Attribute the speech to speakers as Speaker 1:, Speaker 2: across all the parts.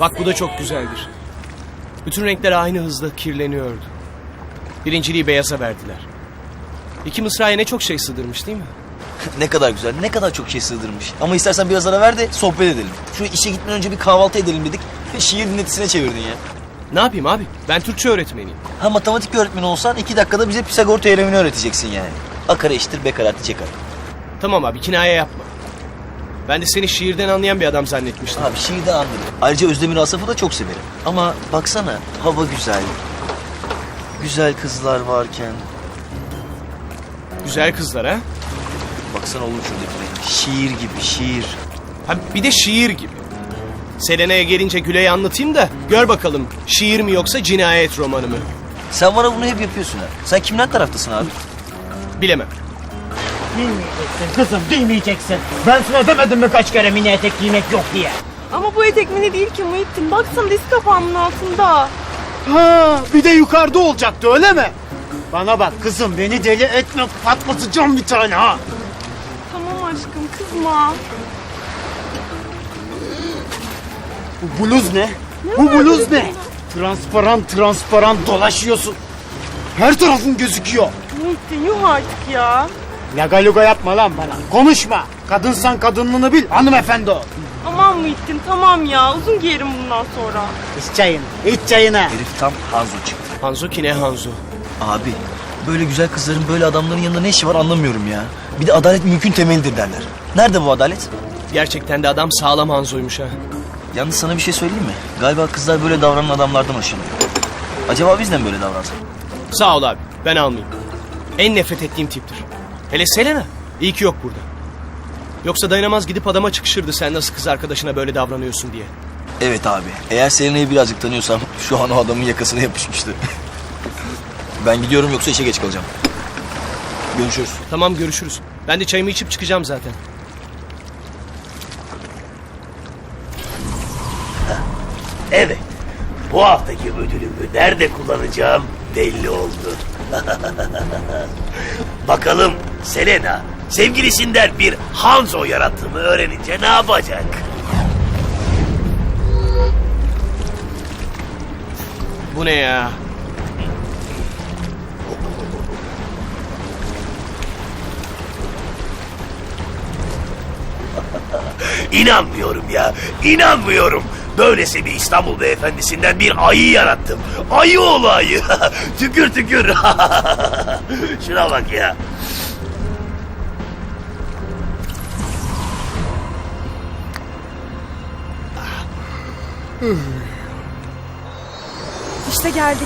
Speaker 1: Bak bu da çok güzeldir. Bütün renkler aynı hızla kirleniyordu. Birinciliği beyaza verdiler. İki mısraya ne çok şey sığdırmış değil mi?
Speaker 2: Ne kadar güzel, ne kadar çok şey sığdırmış. Ama istersen biraz ara ver de sohbet edelim. Şu işe gitmeden önce bir kahvaltı edelim dedik. Şiir dinletisine çevirdin ya.
Speaker 1: Ne yapayım abi? Ben Türkçe öğretmeniyim.
Speaker 2: Ha, matematik öğretmeni olsan 2 dakikada bize Pisagor teoremini öğreteceksin yani. A kare eşittir B kare artı C kare.
Speaker 1: Tamam abi, kinaye yapma. Ben de seni şiirden anlayan bir adam zannetmiştim.
Speaker 2: Abi şiirden anladım. Ayrıca Özdemir Asaf'ı da çok severim. Ama baksana, hava güzel. Güzel kızlar varken.
Speaker 1: Güzel kızlar ha?
Speaker 2: Baksana oğlum şuradakine. Şiir gibi, şiir.
Speaker 1: Ha bir de şiir gibi. Selena'ya gelince Gülay'ı anlatayım da gör bakalım şiir mi yoksa cinayet romanı mı?
Speaker 2: Sen bana bunu hep yapıyorsun ha. Sen kimden taraftasın abi?
Speaker 1: Bilemem.
Speaker 3: Bilmeyeceksin kızım, bilmeyeceksin. Ben sana demedim mi kaç kere mini etek giymek yok diye.
Speaker 4: Ama bu etek mini değil ki Muhittin. Baksana diz kapağımın altında.
Speaker 3: Ha, bir de yukarıda olacaktı öyle mi? Bana bak kızım, beni deli etme, patlatacağım bir tane ha.
Speaker 4: Tamam aşkım, kızma.
Speaker 3: Bu bluz ne? Bu bluz ne? Transparan dolaşıyorsun. Her tarafın gözüküyor.
Speaker 4: Muhittin yuh artık ya.
Speaker 3: Laga luga yapma lan bana. Konuşma. Kadınsan kadınlığını bil. Hanımefendi ol.
Speaker 4: Aman Muhittin tamam ya. Uzun giyerim bundan sonra.
Speaker 3: İç çayını. İç çayını.
Speaker 2: Herif tam Hanzo çıktı.
Speaker 1: Hanzo ki ne Hanzo?
Speaker 2: Abi, böyle güzel kızların böyle adamların yanında ne işi var anlamıyorum ya. Bir de adalet mümkün temelidir derler. Nerede bu adalet?
Speaker 1: Gerçekten de adam sağlam Hanzo'ymuş ha.
Speaker 2: Yalnız sana bir şey söyleyeyim mi? Galiba kızlar böyle davranan adamlardan hoşlanıyor. Acaba biz de mi böyle davransak?
Speaker 1: Sağ ol abi, ben almayayım. En nefret ettiğim tiptir. Hele Selena, iyi ki yok burada. Yoksa dayanamaz gidip adama çıkışırdı sen nasıl kız arkadaşına böyle davranıyorsun diye.
Speaker 2: Evet abi. Eğer Selena'yı birazcık tanıyorsam şu an o adamın yakasına yapışmıştı. Ben gidiyorum yoksa işe geç kalacağım. Görüşürüz.
Speaker 1: Tamam görüşürüz. Ben de çayımı içip çıkacağım zaten.
Speaker 5: Evet, bu haftaki ödülümü nerede kullanacağım belli oldu. Bakalım Selena sevgilisinden bir Hanzo yarattığımı öğrenince ne yapacak?
Speaker 1: Bu ne ya?
Speaker 5: İnanmıyorum ya, inanmıyorum. Böylesi bir İstanbul beyefendisinden bir ayı yarattım. Ayı oğlu ayı. Tükür tükür. Şuna bak ya.
Speaker 4: İşte geldik.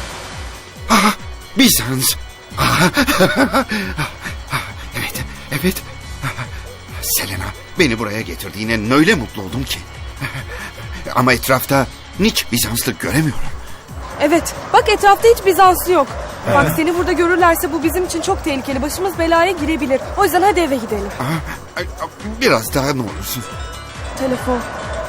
Speaker 6: Bizans. Evet, evet. Selena, beni buraya getirdiğine öyle mutlu oldum ki. Ama etrafta hiç Bizanslı göremiyorum.
Speaker 7: Evet, bak etrafta hiç Bizanslı yok. Bak seni burada görürlerse bu bizim için çok tehlikeli. Başımız belaya girebilir. O yüzden hadi eve gidelim.
Speaker 6: Biraz daha ne olursun.
Speaker 7: Telefon.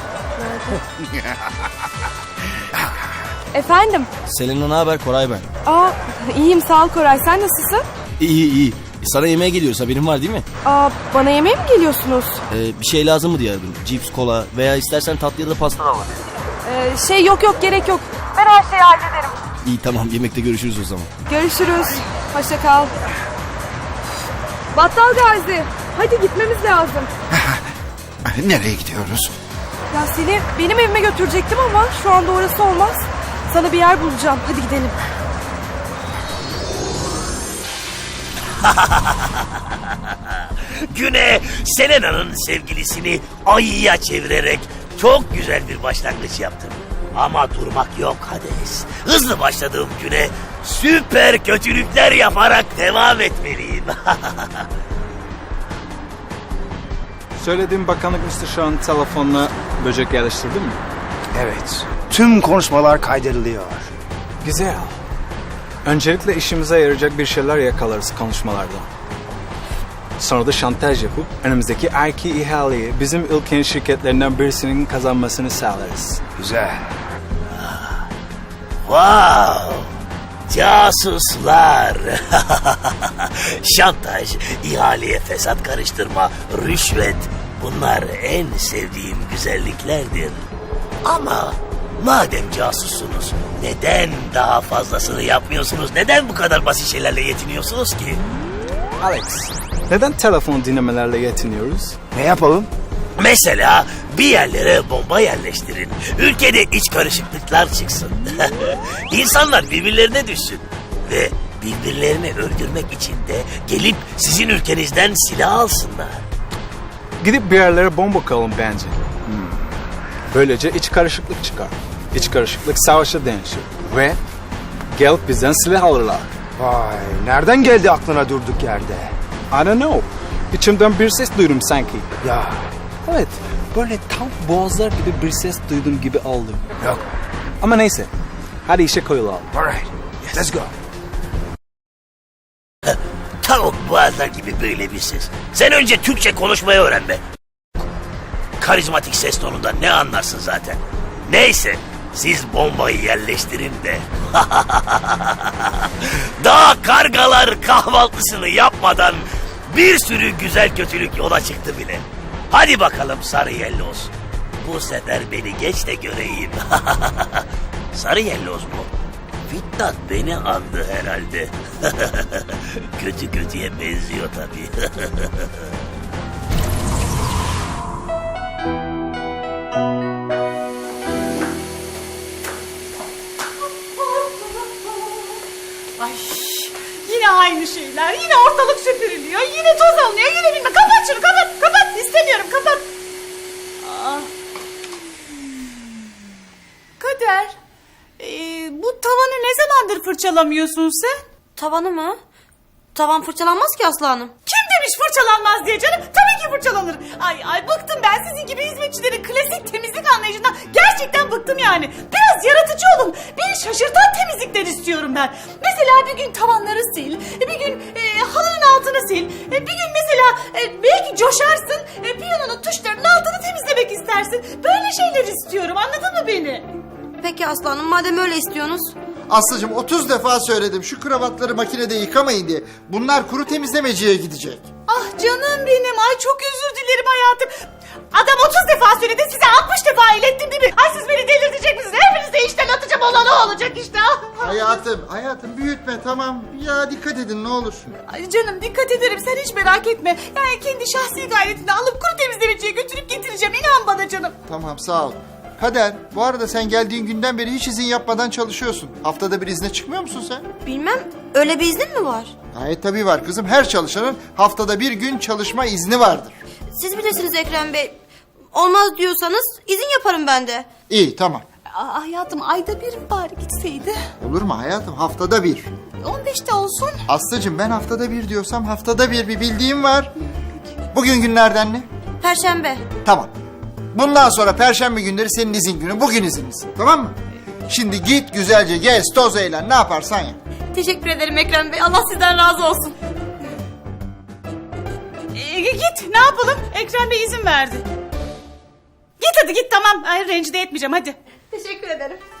Speaker 7: Efendim?
Speaker 2: Selena ne haber? Koray ben.
Speaker 7: Aa, iyiyim sağ ol Koray. Sen nasılsın?
Speaker 2: İyi iyi. Sana yemeğe geliyoruz, haberin var değil mi?
Speaker 7: Aa, bana yemeğe mi geliyorsunuz?
Speaker 2: Bir şey lazım mı diye aradım. Cips, kola veya istersen tatlı ya da pasta da var.
Speaker 7: Yok gerek yok. Ben her şeyi hallederim.
Speaker 2: İyi tamam, yemekte görüşürüz o zaman.
Speaker 7: Görüşürüz. Hoşça kal. Battal Gazi. Hadi gitmemiz lazım.
Speaker 6: Nereye gidiyoruz?
Speaker 7: Ya seni benim evime götürecektim ama şu anda orası olmaz. Sana bir yer bulacağım. Hadi gidelim.
Speaker 5: Güne Selena'nın sevgilisini ayıya çevirerek çok güzel bir başlangıç yaptım. Ama durmak yok Hades. Hızlı başladığım güne süper kötülükler yaparak devam etmeliyim.
Speaker 8: Söylediğim bakanlık müsteşarının telefonuna böcek yerleştirdin mi?
Speaker 9: Evet. Tüm konuşmalar kaydediliyor.
Speaker 8: Güzel. Öncelikle işimize yarayacak bir şeyler yakalarız konuşmalarda. Sonra da şantaj yapıp önümüzdeki erki ihaleyi bizim ülkenin şirketlerinden birisinin kazanmasını sağlarız.
Speaker 9: Güzel.
Speaker 5: Wow! Casuslar! Şantaj, ihaleye fesat karıştırma, rüşvet. Bunlar en sevdiğim güzelliklerdir. Ama madem casussunuz neden daha fazlasını yapmıyorsunuz? Neden bu kadar basit şeylerle yetiniyorsunuz ki?
Speaker 8: Alex, neden telefon dinlemelerle yetiniyoruz?
Speaker 9: Ne yapalım?
Speaker 5: Mesela bir yerlere bomba yerleştirin. Ülkede iç karışıklıklar çıksın. İnsanlar birbirlerine düşsün. Ve birbirlerini öldürmek için de gelip sizin ülkenizden silah alsınlar.
Speaker 8: Gidip bir yerlere bomba koyalım bence. Böylece iç karışıklık çıkar. İç karışıklık savaşa dönüşür. Ve gelip bizden silah alırlar.
Speaker 9: Vay, nereden geldi aklına durduk yerde?
Speaker 8: I don't know. İçimden bir ses duydum sanki.
Speaker 9: Ya,
Speaker 8: Evet, böyle tam boğazlar gibi bir ses duydum gibi aldım.
Speaker 9: yok.
Speaker 8: Ama neyse, hadi işe koyulalım.
Speaker 9: Alright, let's go.
Speaker 5: Tavuk boğazlar gibi böyle bir ses. Sen önce Türkçe konuşmayı öğren be. Karizmatik ses tonundan ne anlarsın zaten. Neyse, siz bombayı yerleştirin de. Daha kargalar kahvaltısını yapmadan bir sürü güzel kötülük yola çıktı bile. Hadi bakalım sarı yelloz. Bu sefer beni geç de göreyim. Sarı yelloz mu? Fitnat beni andı herhalde. Kötü kötüye benziyor tabii.
Speaker 4: Ay yine aynı şeyler. Yine ortalık süpürülüyor. Yine toz alınıyor. Yine bilmem. Kapat şunu kapat. Kapat. İstemiyorum kapat. Aa. Kader. Bu tavanı ne zamandır fırçalamıyorsun sen?
Speaker 10: Tavanı mı? Tavan fırçalanmaz ki Aslı Hanım.
Speaker 4: Kim demiş fırçalanmaz diye canım? Tabii ki fırçalanır. Ay bıktım ben sizin gibi hizmetçilerin klasik temizlik anlayışından. Gerçekten bıktım yani. Biraz yaratıcı olun. Beni şaşırtan temizlikler istiyorum ben. Mesela bir gün tavanları sil. Bir gün halının altını sil. Bir gün mesela belki coşarsın. Piyanonun tuşlarının altını temizlemek istersin. Böyle şeyler istiyorum. Anladın mı beni?
Speaker 10: Peki Aslı Hanım madem öyle istiyorsunuz.
Speaker 11: Aslıcığım 30 defa söyledim şu kravatları makinede yıkamayın diye. Bunlar kuru temizlemeciye gidecek.
Speaker 4: Ah canım benim. Ay çok özür dilerim hayatım. Adam 30 defa söyledi size 60 defa ilettim değil mi? Ay siz beni delirtecek misiniz? Hepinizi de işten atacağım olan o olacak işte.
Speaker 11: Hayatım büyütme tamam. Ya dikkat edin ne olur.
Speaker 4: Ay canım dikkat ederim sen hiç merak etme. Yani kendi şahsi gayretini alıp kuru temizlemeciye götürüp getireceğim. İnan bana canım.
Speaker 11: Tamam sağ ol. Kader bu arada sen geldiğin günden beri hiç izin yapmadan çalışıyorsun. Haftada bir izne çıkmıyor musun sen?
Speaker 10: Bilmem öyle bir iznin mi var?
Speaker 11: Gayet tabii var kızım. Her çalışanın haftada bir gün çalışma izni vardır.
Speaker 10: Siz bilirsiniz Ekrem Bey. Olmaz diyorsanız izin yaparım ben de.
Speaker 11: İyi tamam.
Speaker 4: Hayatım ayda bir bari gitseydi.
Speaker 11: Olur mu hayatım haftada bir.
Speaker 4: 15'te olsun.
Speaker 11: Aslıcığım ben haftada bir diyorsam haftada bir bildiğim var. Bugün günlerden ne?
Speaker 10: Perşembe.
Speaker 11: Tamam. Bundan sonra perşembe günleri senin izin günü. Bugün izinlisin. Tamam mı? Şimdi git güzelce gez, toz eğlen. Ne yaparsan yap.
Speaker 10: Teşekkür ederim Ekrem Bey. Allah sizden razı olsun.
Speaker 4: Git ne yapalım? Ekrem Bey izin verdi. Git hadi git tamam. Ay rencide etmeyeceğim hadi.
Speaker 10: Teşekkür ederim.